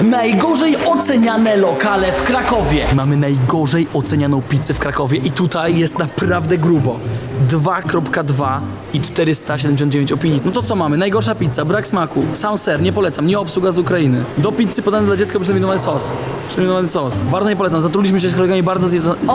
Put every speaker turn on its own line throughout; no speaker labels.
Najgorzej oceniane lokale w Krakowie. Mamy najgorzej ocenianą pizzę w Krakowie i tutaj jest naprawdę grubo. 2,2 i 479 opinii. No to co mamy? Najgorsza pizza, brak smaku, sam ser, nie polecam, nie obsługa z Ukrainy. Do pizzy podany dla dziecka przeterminowany sos. Bardzo nie polecam, zatruliśmy się z kolegami bardzo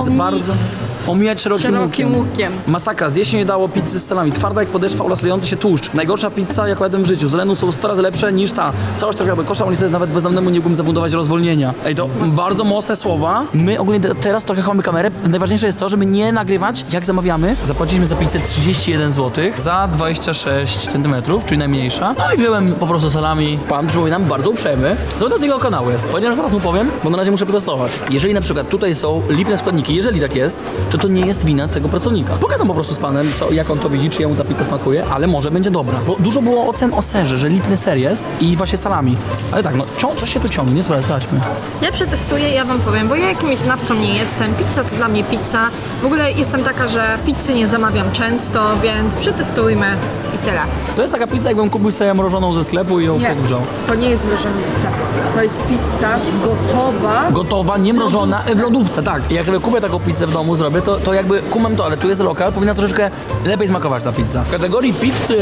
omijać szerokim łukiem. Masakra, zjeść się nie dało pizzy z salami. Twarda jak podeszwa oraz lejący się tłuszcz. Najgorsza pizza, jaką jadłem w życiu. Z Lenu są 100 razy lepsze niż ta. Całość trafiła do kosza, ale niestety nawet bezdomnemu nie mógłbym zafundować rozwolnienia. Ej, to bardzo mocne słowa. My ogólnie teraz trochę chowamy kamerę. Najważniejsze jest to, żeby nie nagrywać, jak zamawiamy. Zapłaciliśmy za pizzę 31 zł za 26 cm, czyli najmniejsza. No i wziąłem po prostu salami. Pan przypominam, bardzo uprzejmy. Zobacz, z jego kanału jest. Powiedziałem, że zaraz mu powiem, bo na razie muszę protestować. Jeżeli na przykład tutaj są lipne składniki, jeżeli tak jest, to nie jest wina tego pracownika. Pogadam po prostu z panem, jak on to widzi, czy jemu ta pizza smakuje, ale może będzie dobra. Bo dużo było ocen o serze, że lipny ser jest i właśnie salami. Ale tak, no coś się tu ciągnie, nie sprawdźmy.
Ja przetestuję, ja wam powiem, bo ja jakimś znawcą nie jestem. Pizza to dla mnie pizza. W ogóle jestem taka, że pizzy nie zamawiam często, więc przetestujmy i tyle.
To jest taka pizza, jakbym kupił sobie mrożoną ze sklepu i ją
Nie,
podgrzał.
to nie jest mrożona ze sklepu. To jest pizza gotowa.
Gotowa, nie mrożona, w lodówce, tak. Jak sobie kupię taką pizzę w domu, zrobię, to jakby kumam to, ale tu jest lokal, powinna troszeczkę lepiej smakować ta pizza. W kategorii pizzy,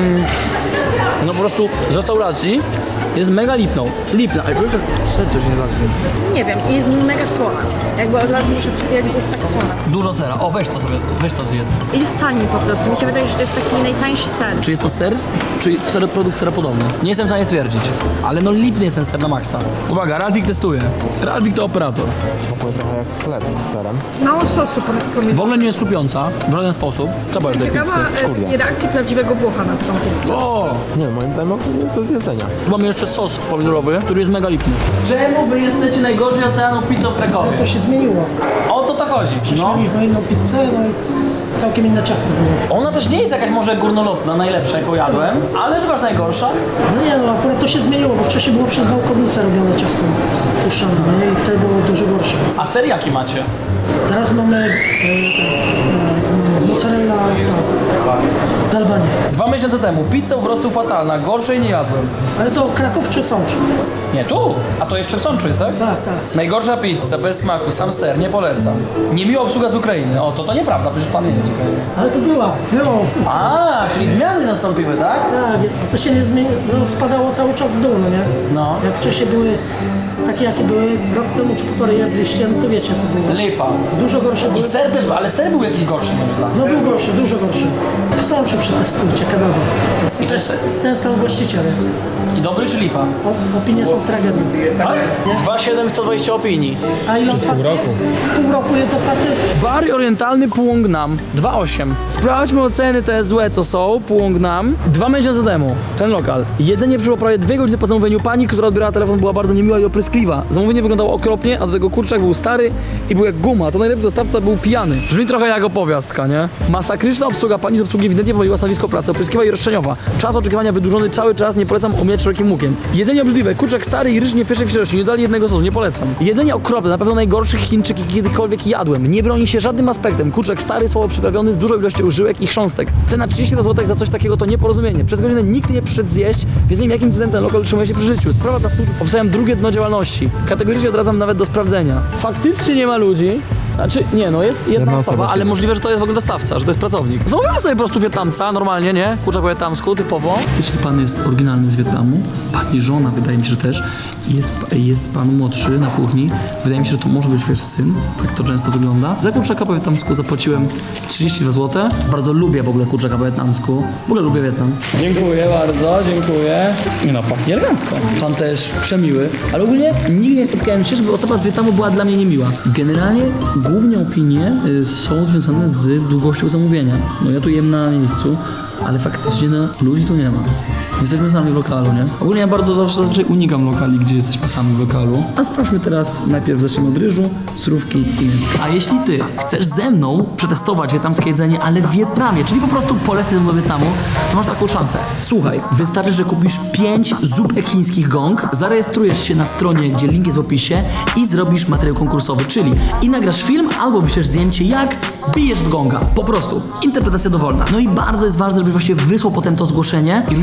no po prostu z restauracji jest mega lipną. Lipna, ale czujesz, że serce się nie zagnie.
Nie wiem, i jest mega słona. Jakby od razu muszę powiedzieć, że jest tak słona.
Dużo sera. O, weź to sobie, weź to zjedz.
I jest tani po prostu. Mi się wydaje, że to jest taki najtańszy ser.
Czy jest to ser, czy produkt seropodobny? Nie jestem w stanie stwierdzić, ale no lipny jest ten ser na maksa. Uwaga, Ralfik testuje. Ralfik to operator.
Smakuje trochę jak chleb z serem.
Mało sosu pomidorowego.
W ogóle nie jest chrupiąca, w żaden sposób. Co powiesz tej pizzy?
Ciekawa reakcji prawdziwego Włocha na taką pizzę.
O!
Nie, moim zdaniem to z jedzenia.
Tu mamy jeszcze sos pomidorowy, który jest mega lipny. Czemu wy jesteście najgorzej ocenianą pizzą w Krakowie?
To się zmieniło.
O co to chodzi? No.
Mieliśmy inną pizzę, no i całkiem inne ciasto było.
Ona też nie jest jakaś może górnolotna, najlepsza jaką jadłem, ale chyba najgorsza.
No nie, no akurat to się zmieniło, bo wcześniej było przez wałkownicę robione ciasto puszczane, nie? I wtedy było dużo gorsze.
A ser jaki macie?
Teraz mamy mozzarella Galbanie.
2 miesiące temu pizza po prostu fatalna, gorszej nie jadłem.
Ale to Kraków czy Sącz?
Nie, tu! A to jeszcze w Sączu jest, tak?
Tak, tak.
Najgorsza pizza, bez smaku, sam ser, nie polecam. Niemiła obsługa z Ukrainy. O, to nieprawda, przecież pan nie jest z Ukrainy.
Ale to było.
A, czyli zmiany nastąpiły, tak?
Tak, to się nie zmieniło, no spadało cały czas w dół, no nie?
No.
Jak wcześniej były takie, jakie były rok temu czy półtorej jedliście, no to wiecie co było.
Lipa.
Dużo gorsze
I
były.
ser też, ale ser był jakiś gorszy, moim zdaniem.
No był gorszy, dużo gorszy. W Sączu przetestujcie kebaba.
I to jest...
Ten sam właściciel jest.
I dobry czy lipa?
Opinie są tragedią.
Tak? 2,720 opinii.
A ile otwarty jest? Pół roku jest otwarty.
Bar orientalny Puong Nam 2,8. Sprawdźmy oceny te złe co są. Puong Nam 2 miesiące temu. Ten lokal. Jedzenie przyszło prawie 2 godziny po zamówieniu. Pani, która odbierała telefon, była bardzo niemiła i opryskliwa. Zamówienie wyglądało okropnie, a do tego kurczak był stary i był jak guma. To najlepszy dostawca był pijany. Brzmi trochę jak opowiastka, nie? Masakryczna obsługa. Pani z obsługi ewidentnie pomyliła stanowisko pracy. Opryskliwa i roszczeniowa. Czas oczekiwania wydłużony cały czas. Nie polecam omijać szerokim łukiem. Jedzenie obrzydliwe. Kurczak stary i ryż nie w pierwszej świeżości. Nie dali jednego sosu. Nie polecam. Jedzenie okropne. Na pewno najgorszy Chińczyk, jaki kiedykolwiek jadłem. Nie broni się żadnym aspektem. Kurczak stary, słabo przyprawiony z dużą ilością żyłek i chrząstek. Cena 30 zł za coś takiego to nieporozumienie. Przez godzinę nikt nie przyszedł zjeść, więc nie wiem jakim cudem ten lokal utrzymuje się przy życiu. Sprawa dla służb. Obstawiam drugie dno działalności. Kategorycznie odradzam nawet do sprawdzenia. Faktycznie nie ma ludzi. Znaczy, nie no, jest jedna osoba, ale możliwe, że to jest w ogóle dostawca, że to jest pracownik. Zamówiłem sobie po prostu Wietnamca, normalnie, nie? Kurczak po wietnamsku, typowo. Jeśli pan jest oryginalny z Wietnamu, pani żona, wydaje mi się, że też, jest pan młodszy na kuchni, wydaje mi się, że to może być wasz syn, tak to często wygląda. Za kurczaka po wietnamsku zapłaciłem 32 zł. Bardzo lubię w ogóle kurczaka po wietnamsku. W ogóle lubię Wietnam. Dziękuję bardzo, dziękuję. Nie no, pachnie elegancko. Pan też przemiły, ale ogólnie nigdy nie spotkałem się, żeby osoba z Wietnamu była dla mnie niemiła. Generalnie głównie opinie są związane z długością zamówienia. No ja tu jem na miejscu, ale faktycznie ludzi tu nie ma. Jesteśmy sami w lokalu, nie? Ogólnie ja bardzo zazwyczaj unikam lokali, gdzie jesteśmy sami w lokalu. A sprawdźmy teraz, najpierw zacznijmy od ryżu, surówki i mięska. A jeśli ty chcesz ze mną przetestować wietnamskie jedzenie, ale w Wietnamie, czyli po prostu polecisz ze mną do Wietnamu, to masz taką szansę. Słuchaj, wystarczy, że kupisz 5 zupek chińskich gong, zarejestrujesz się na stronie, gdzie link jest w opisie i zrobisz materiał konkursowy, czyli i nagrasz film, albo wyślesz zdjęcie, jak bijesz w gonga. Po prostu. Interpretacja dowolna. No i bardzo jest ważne, żebyś właśnie wysłał potem to zgłoszenie i również ja będę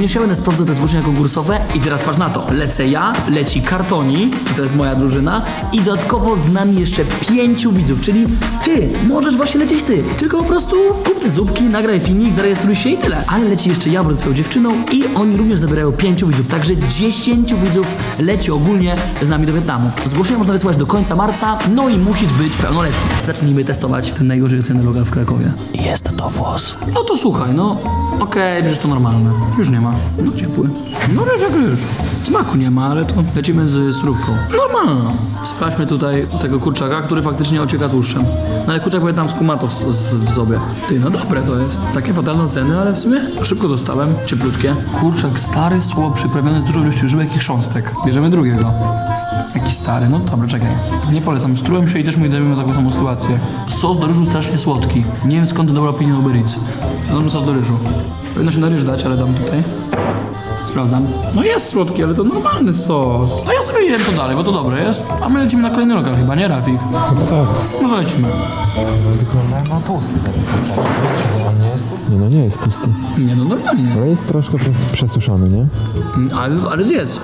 sprawdzę te zgłoszenia konkursowe i teraz patrz na to. Lecę ja, leci Kartoni, to jest moja drużyna i dodatkowo z nami jeszcze 5 widzów, czyli ty, możesz właśnie lecieć ty. Tylko po prostu kup te zupki, nagraj filmik, zarejestruj się i tyle. Ale leci jeszcze ja ze swoją dziewczyną i oni również zabierają 5 widzów, także 10 widzów leci ogólnie z nami do Wietnamu. Zgłoszenia można wysłać do końca marca, no i musisz być pełnoletni. Zacznijmy testować ten najgorzej oceniony lokal w Krakowie. Jest to włos. No to słuchaj, no okej, przecież to normalne. Już nie ma. No ciepły. No ryż jak ryż. Smaku nie ma, ale to lecimy z surówką. Normalna. Sprawdźmy tutaj tego kurczaka, który faktycznie ocieka tłuszczem. No ale kurczak wietnamsku ma to w sobie. Ty, no dobre to jest. Takie fatalne oceny, ale w sumie szybko dostałem. Cieplutkie. Kurczak stary, słabo przyprawiony z dużą ilością żyłek i chrząstek. Bierzemy drugiego. Jaki stary, no dobra, czekaj. Nie polecam, strułem się i też mój dajmy taką samą sytuację. Sos do ryżu strasznie słodki. Nie wiem skąd to dobra opinia na Uber Eats. Sos do ryżu. Powinno się na ryż dać, ale dam tutaj. Sprawdzam. No jest słodki, ale to normalny sos. No ja sobie jem to dalej, bo to dobre jest. A my lecimy na kolejny lokal chyba, nie Rafik? No to lecimy.
Wygląda na tłusty ten kurczak. On nie jest tłusty? Nie, no nie jest tłusty.
Nie no, normalnie.
Ale jest troszkę przesuszony, nie?
Ale zjedz.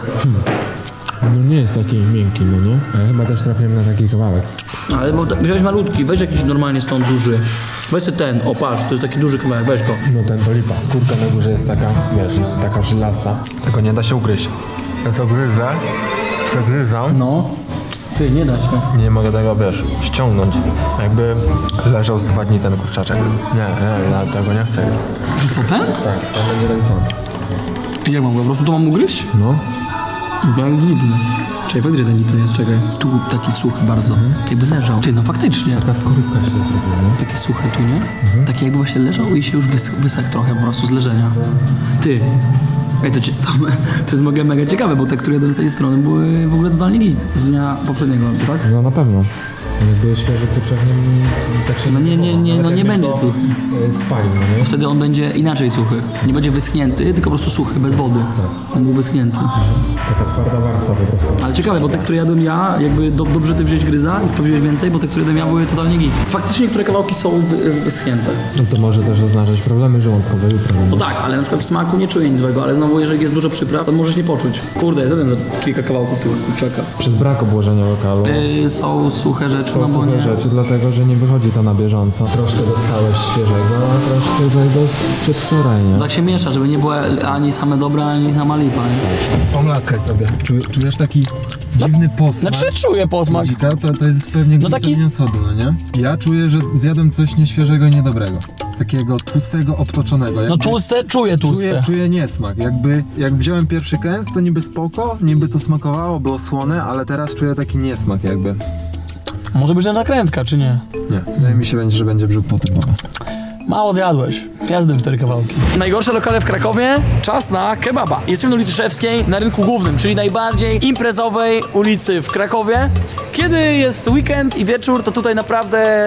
No nie jest taki miękki, no nie? A ja chyba też trafiłem na taki kawałek.
Ale bo wziąłeś malutki, weź jakiś normalnie stąd duży. Weź sobie ten, o patrz, to jest taki duży kawałek, weź go.
No ten to lipa. Skórka na górze jest taka, wiesz, taka żylasta. Tego nie da się ugryźć. Ja to gryzę, przegryzam.
No. Ty, nie da się.
Nie mogę tego, wiesz, ściągnąć. Jakby leżał z 2 dni ten kurczaczek. Nie, ja tego nie chcę.
Co ten?
Tak, to będzie tak samo.
Jak mam go, po prostu to mam ugryźć?
No.
Bo jak lipny. Czekaj, faktycznie ten lipny jest, czekaj. Tu taki suchy bardzo. Jakby leżał. Ty, no faktycznie.
Taka skorupka się zrobiła, nie?
Takie suche tu, nie? Takie jakby właśnie leżał i się już wysakł trochę po prostu z leżenia. Ty. Ej, to jest mega ciekawe, bo te, które jadłem z tej strony były w ogóle totalnie git. Z dnia poprzedniego, tak?
No na pewno. Jakby świeży kurczak, tak się...
No nie, no nie będzie suchy.
Spalił, no nie?
Wtedy on będzie inaczej suchy. Nie będzie wyschnięty, tylko po prostu suchy, bez wody. On był wyschnięty.
Taka twarda warstwa po prostu.
Ale ciekawe, bo te, które jadłem ja, jakby dobrze ty wziąć gryza i sprawdziłeś więcej, bo te, które jadłem ja, były totalnie git. Faktycznie niektóre kawałki są wyschnięte.
No to może też oznaczać problemy żołądkowe jutro.
No tak, ale na przykład w smaku nie czuję nic złego, ale znowu jeżeli jest dużo przypraw, to możesz nie poczuć. Kurde, zjadłem za kilka kawałków tego kurczaka.
Przez brak obłożenia lokalu.
Są suche rzeczy, no bo
Suche
nie...
rzeczy, dlatego że nie wychodzi to na bieżąco. Troszkę dostałeś świeżego, a troszkę tego przedwczoraj, nie?
Tak się miesza, żeby nie było ani same dobre, ani sama lipa, nie?
Pomlaskaj sobie. Czujesz taki dziwny posmak?
Znaczy czuję posmak.
To jest pewnie
No taki-
glutenian sodu, no nie? Ja czuję, że zjadłem coś nieświeżego i niedobrego. Takiego tłustego, obtoczonego.
No
Jakby-
tłuste, czuję tłuste.
Czuję niesmak. Jak wziąłem pierwszy kęs, to niby spoko, niby to smakowało, było słone, ale teraz czuję taki niesmak jakby.
Może być nakrętka, czy nie?
Nie, wydaje mi się, że będzie brzuch potrzebowy.
Mało zjadłeś. Ja zjadłem 4 kawałki. Najgorsze lokale w Krakowie? Czas na kebaba. Jesteśmy na ulicy Szewskiej, na rynku głównym, czyli najbardziej imprezowej ulicy w Krakowie. Kiedy jest weekend i wieczór, to tutaj naprawdę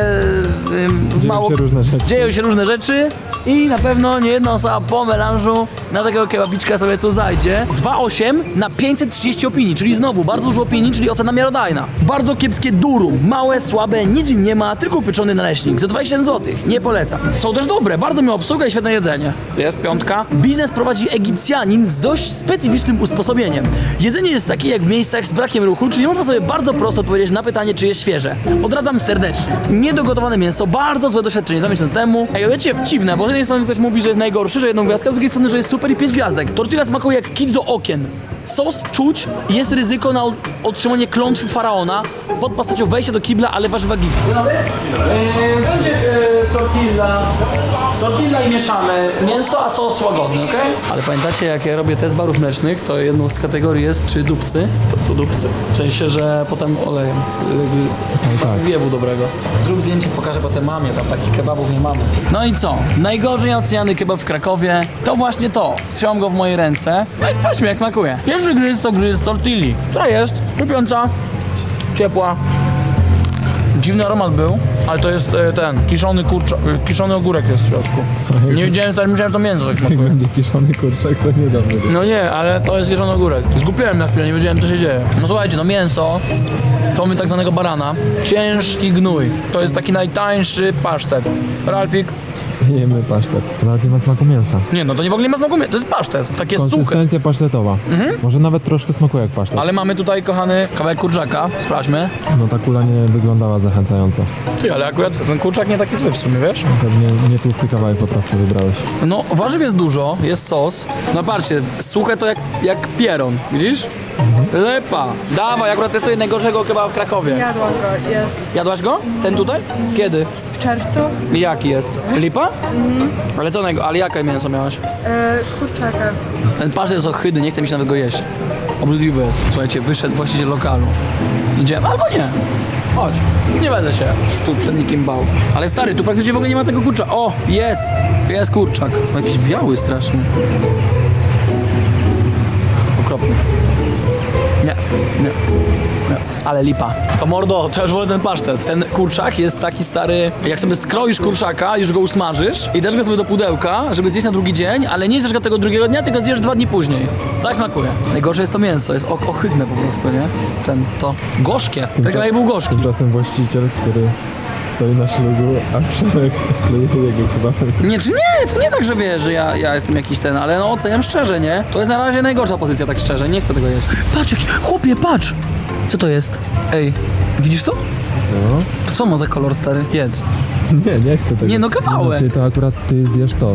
dzieją się różne rzeczy i na pewno nie jedna osoba po melanżu na takiego kebabiczka sobie tu zajdzie. 2,8 na 530 opinii, czyli znowu bardzo dużo opinii, czyli ocena miarodajna. Bardzo kiepskie durum, małe, słabe, nic w nim nie ma, tylko upieczony naleśnik za 27 zł. Nie polecam. Są też dobre, bardzo miła obsługa i świetne jedzenie. Jest 5. Biznes prowadzi Egipcjanin z dość specyficznym usposobieniem. Jedzenie jest takie jak w miejscach z brakiem ruchu, czyli można sobie bardzo prosto odpowiedzieć na pytanie, czy jest świeże. Odradzam serdecznie. Niedogotowane mięso, bardzo złe doświadczenie 2 miesiące temu. Ej, wiecie, dziwne, bo z jednej strony ktoś mówi, że jest najgorszy, że 1 gwiazdkę, a z drugiej strony, że jest super i 5 gwiazdek. Tortilla smakuje jak kit do okien. Sos czuć, jest ryzyko na otrzymanie klątwy faraona pod postacią wejścia do kibla, ale warzywa git. Będzie tortilla i mieszamy mięso, a sos łagodny, okej? Ale pamiętacie, jak ja robię test barów mlecznych, to jedną z kategorii jest, czy dupcy, to dupcy. W sensie, że potem olejem, jakby wiewu dobrego. Zrób zdjęcie, pokażę potem mamie, tam takich kebabów nie mamy. No i co? Najgorzej oceniany kebab w Krakowie to właśnie to. Trzymam go w mojej ręce, no i sprawdźmy, jak smakuje. Pierwszy gryz to gryz tortilli, która jest chrupiąca, ciepła. Dziwny aromat był, ale to jest ten, kiszony ogórek jest w środku. Nie wiedziałem, co myślałem, że to mięso tak smakuje.
Będzie kiszony kurczak, to niedawno.
No nie, ale to jest kiszony ogórek. Zgupiłem na chwilę, nie wiedziałem, co się dzieje. No słuchajcie, no mięso, to mamy tak zwanego barana. Ciężki gnój. To jest taki najtańszy pasztet. Ralfik,
jemy pasztet. To nawet nie ma smaku mięsa.
Nie, no to nie w ogóle nie ma smaku, to jest pasztet, takie suche.
Konsystencja pasztetowa. Może nawet troszkę smakuje jak pasztet.
Ale mamy tutaj, kochany, kawałek kurczaka, sprawdźmy.
No ta kula nie wyglądała zachęcająco.
Ty, ale akurat ten kurczak nie taki zły w sumie, wiesz?
Pewnie nie tłusty kawałek po prostu wybrałeś.
No, warzyw jest dużo, jest sos. No patrzcie, suche to jak pieron, widzisz? Lepa. Dawaj, akurat testuję najgorszego kebaba w Krakowie.
Jadłam go, jest
Jadłaś go? Ten tutaj? Kiedy?
w czerwcu.
I jaki jest? Lipa? Ale co ale jakie mięso miałaś?
Kurczaka.
Ten pasztet jest ohydny, nie chce mi się nawet go jeść. Obrzydliwy jest. Słuchajcie, wyszedł właściciel lokalu. Idziemy, albo nie. Chodź, nie będę się tu przed nikim bał. Ale stary, tu praktycznie w ogóle nie ma tego kurczaka. O, jest! Jest kurczak. No, jakiś biały straszny. Okropny. Nie. Ale lipa. To mordo, to już wolę ten pasztet. Ten kurczak jest taki stary, jak sobie skroisz kurczaka, już go usmażysz i dasz go sobie do pudełka, żeby zjeść na drugi dzień, ale nie zjesz go tego drugiego dnia, tylko zjesz 2 dni później. Tak smakuje. Najgorsze jest to mięso, jest ohydne po prostu, nie? To gorzkie. Ten kawałek był gorzki.
Tymczasem właściciel, który stoi na ślubu, a Przemek kleje jego kebabek.
Nie, czy nie, to nie tak, że wiesz, że ja jestem jakiś ten, ale no oceniam szczerze, nie? To jest na razie najgorsza pozycja, tak szczerze, nie chcę tego jeść. Patrz, chłopie, patrz! Co to jest? Ej, widzisz to?
Co?
To co ma za kolor, stary? Jedz.
Nie chcę tego.
Nie, no kawałek.
Ty to akurat ty zjesz to.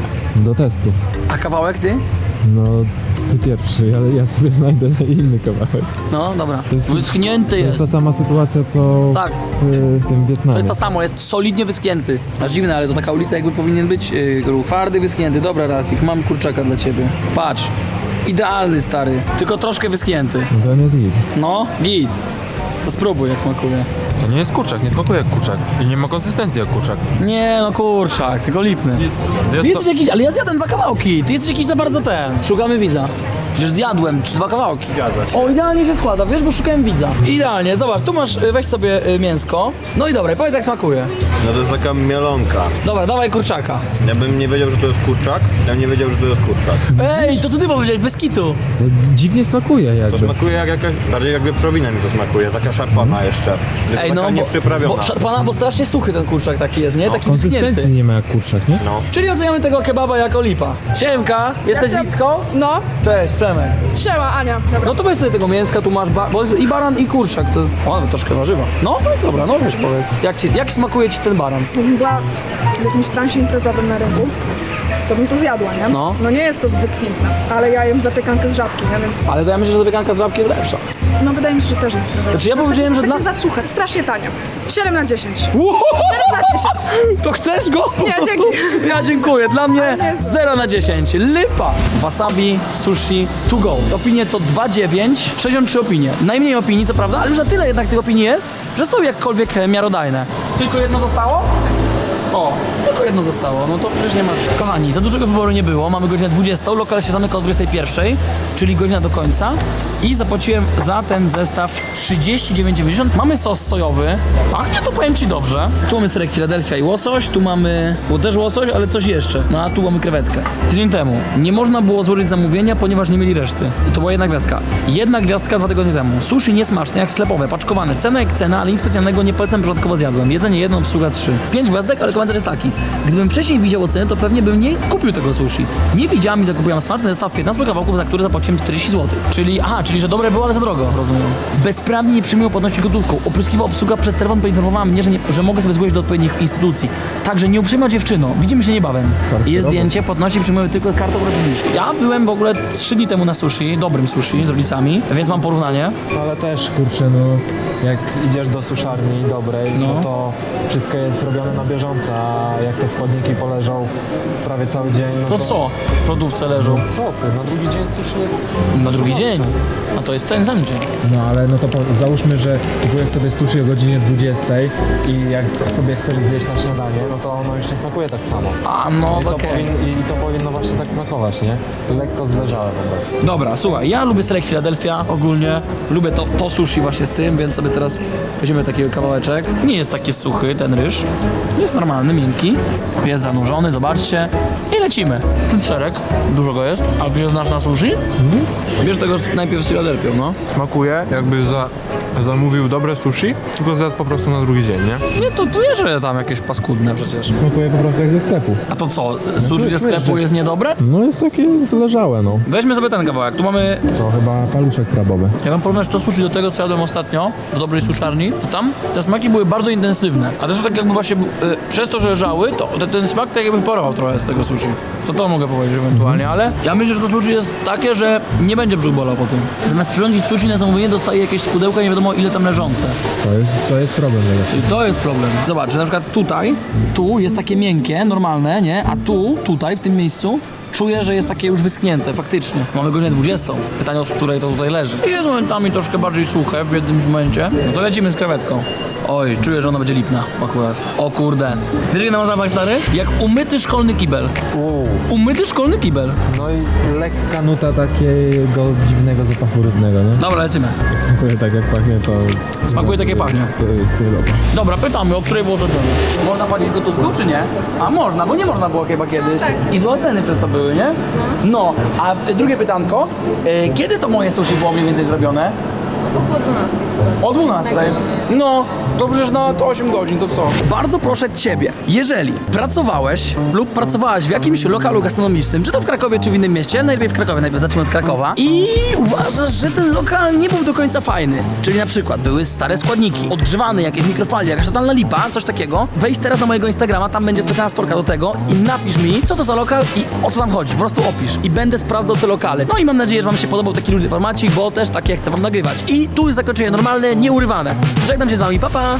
Do testu.
A kawałek ty?
No, ty pierwszy, ale ja sobie znajdę inny kawałek.
No, dobra.
jest-
Wyschnięty
To
jest.
jest ta sama sytuacja, co
Tak.
w tym Wietnamie.
To jest to samo, jest solidnie wyschnięty. Aż dziwne, ale to taka ulica jakby powinien być ruch. Twardy, wyschnięty. Dobra, Ralfik, mam kurczaka dla ciebie. Patrz. Idealny, stary. Tylko troszkę wyschnięty.
No to on jest git.
No, git. To spróbuj, jak smakuje.
To nie jest kurczak, nie smakuje jak kurczak. I nie ma konsystencji jak kurczak.
Nie, no kurczak, tylko lipny. Ty jesteś jakiś, ale ja zjadłem 2 kawałki. Ty jesteś jakiś za bardzo ten. Szukamy widza. Przecież zjadłem 2 kawałki. O, idealnie się składa, wiesz, bo szukałem widza. Idealnie, zobacz, tu masz, weź sobie mięsko. No i dobra, powiedz jak smakuje.
No to jest taka mielonka.
Dobra, dawaj kurczaka.
Ja bym nie wiedział, że to jest kurczak. Ja bym nie wiedział, że to jest kurczak.
Ej, to ty powiedziałeś, bez kitu.
To dziwnie smakuje
To
jakby.
smakuje jak jakaś, bardziej jak wieprzowina mi to smakuje, taka szarpana jeszcze. Tylko
Ej, no,
taka nieprzyprawiona.
bo szarpana, bo strasznie suchy ten kurczak taki jest, nie? Taki
Konsystencji
wyschnięty.
nie ma jak kurczak, nie?
No.
Czyli oceniamy tego kebaba jako lipa. Siemka, jesteś Wicką?
No,
Cześć, Przemek.
siema Ania. Dobra.
No to weź sobie tego mięska, tu masz bo jest i baran i kurczak, to nawet troszkę warzywa. No, dobra, no wiesz, powiedz. Jak smakuje ci ten baran?
Gdybym była w jakimś transie imprezowym na rynku, to bym to zjadła, nie?
No.
No nie jest to wykwintne, ale ja jem zapiekankę z żabki, nie? Więc
Ale to ja myślę, że zapiekanka z żabki jest lepsza.
no wydaje mi się, że też jest zdrowe.
Znaczy ja powiedziałem, że
Takie
dla...
za suche, strasznie tanie. 7 na 10. 7
Uhoho!
na 10.
To chcesz go? Po
Nie,
prostu?
dzięki.
Ja dziękuję, dla mnie
nie,
0 na 10. Lipa! Wasabi, sushi, to go. Opinie to 2,9, 63 opinie. Najmniej opinii, co prawda, ale już na tyle jednak tych opinii jest, że są jakkolwiek miarodajne. Tylko jedno zostało? O, tylko jedno zostało, no to przecież nie ma co. Kochani, za dużego wyboru nie było, mamy godzinę 20, lokal się zamyka o 21, czyli godzina do końca i zapłaciłem za ten zestaw 39,90. Mamy sos sojowy, pachnie to, powiem ci, dobrze. Tu mamy serek Philadelphia i łosoś, tu mamy, było też łosoś, ale coś jeszcze, no a tu mamy krewetkę. Tydzień temu nie można było złożyć zamówienia, ponieważ nie mieli reszty. To była jedna gwiazdka. Jedna gwiazdka 2 tygodnie temu. Sushi niesmaczne, jak sklepowe, paczkowane. Cena jak cena, ale nic specjalnego nie polecam, przypadkowo zjadłem. Jedzenie 1, obsługa 3. 5 gwiazdek, ale komentarz jest taki. Gdybym wcześniej widział oceny, to pewnie bym nie kupił tego sushi. Nie widziałem i zakupiłem smaczny zestaw 15 kawałków, za który zapłaciłem 40 zł. Czyli że dobre było, ale za drogo, rozumiem. Bezprawnie nie przyjmują płatności gotówką. Opryskiwa obsługa przez telefon poinformowała mnie, że mogę sobie zgłosić do odpowiednich instytucji. Także nie uprzejma dziewczyno. Widzimy się niebawem. Jest zdjęcie, płatności przyjmujemy tylko kartą oraz bliź. Ja byłem w ogóle 3 dni temu na sushi, dobrym sushi z rodzicami, więc mam porównanie.
Ale też, kurczę, no, jak idziesz do suszarni dobrej,
No.
no to wszystko jest robione na bieżąco, a jak te składniki poleżą prawie cały dzień, no
To co? W lodówce leżą.
Co ty, na drugi dzień sushi jest...
Na drugi dzień. A to jest ten sam dzień.
No ale no to załóżmy, że kupujesz sobie sushi o godzinie 20 i jak sobie chcesz zjeść na śniadanie, no to ono już nie smakuje tak samo.
A no
I to,
okej.
I to powinno właśnie tak smakować, nie? Lekko zleżałe po prostu.
Dobra, słuchaj, ja lubię serek Philadelphia ogólnie. Lubię to sushi właśnie z tym, więc sobie teraz weźmiemy takiego kawałeczek. Nie jest taki suchy ten ryż. Jest normalny, miękki. Jest zanurzony, zobaczcie. I lecimy. Ten serek, dużo go jest. A wiesz, znasz na sushi? Bierz tego najpierw z Philadelphią, no.
Smakuje jakby zamówił dobre sushi, tylko zjadł po prostu na drugi dzień, nie?
Nie, to nie, że tam jakieś paskudne przecież.
Smakuje po prostu jak ze sklepu.
A to co, sushi ze sklepu jest niedobre?
No jest takie zleżałe, no.
Weźmy sobie ten kawałek, tu mamy...
To chyba paluszek krabowy.
Jak mam porównać to sushi do tego, co jadłem ostatnio w dobrej suszarni, to tam te smaki były bardzo intensywne. A te są tak jakby właśnie, przez to, że leżały, to ten smak tak jakby wyparował trochę z tego sushi. To mogę powiedzieć ewentualnie, ale ja myślę, że to sushi jest takie, że nie będzie brzuch bolał po tym. Zamiast przyrządzić sushi na zamówienie, dostaje jakieś pudełka, nie wiadomo ile tam leżące.
To jest problem.
Czyli to jest problem. Zobacz, że na przykład tu jest takie miękkie, normalne, nie? A tutaj, w tym miejscu, czuję, że jest takie już wyschnięte, faktycznie. Mamy godzinę 20. Pytanie, od której to tutaj leży. I jest momentami troszkę bardziej suche w jednym momencie. No to lecimy z krewetką. Oj, czuję, że ona będzie lipna akurat. O kurde. Wiesz, jak na zapach, stary? Jak umyty szkolny kibel. Umyty szkolny kibel.
No i lekka nuta takiego dziwnego zapachu rybnego, nie?
Dobra, lecimy.
Jak smakuje tak jak pachnie, to...
Smakuje tak jak pachnie.
To jest dobra.
Dobra, pytamy, o której było zrobione. Można płacić gotówką, czy nie? A można, bo nie można było chyba kiedyś. I złe ceny przez to były, nie? No, a drugie pytanko. Kiedy to moje sushi było mniej więcej zrobione? O 12. No, to przecież na to 8 godzin, to co? Bardzo proszę Ciebie, jeżeli pracowałeś lub pracowałaś w jakimś lokalu gastronomicznym, czy to w Krakowie, czy w innym mieście, najlepiej w Krakowie, najpierw zacznijmy od Krakowa, i uważasz, że ten lokal nie był do końca fajny, czyli na przykład były stare składniki, odgrzewane jakieś mikrofali, jakaś totalna lipa, coś takiego, wejdź teraz na mojego Instagrama, tam będzie specjalna storka do tego i napisz mi, co to za lokal i o co tam chodzi, po prostu opisz i będę sprawdzał te lokale. No i mam nadzieję, że Wam się podobał taki luźny formacik, bo też takie chcę Wam nagrywać. I tu jest zakończenie normalne, nieurywane. Żegnam się z Wami, pa pa!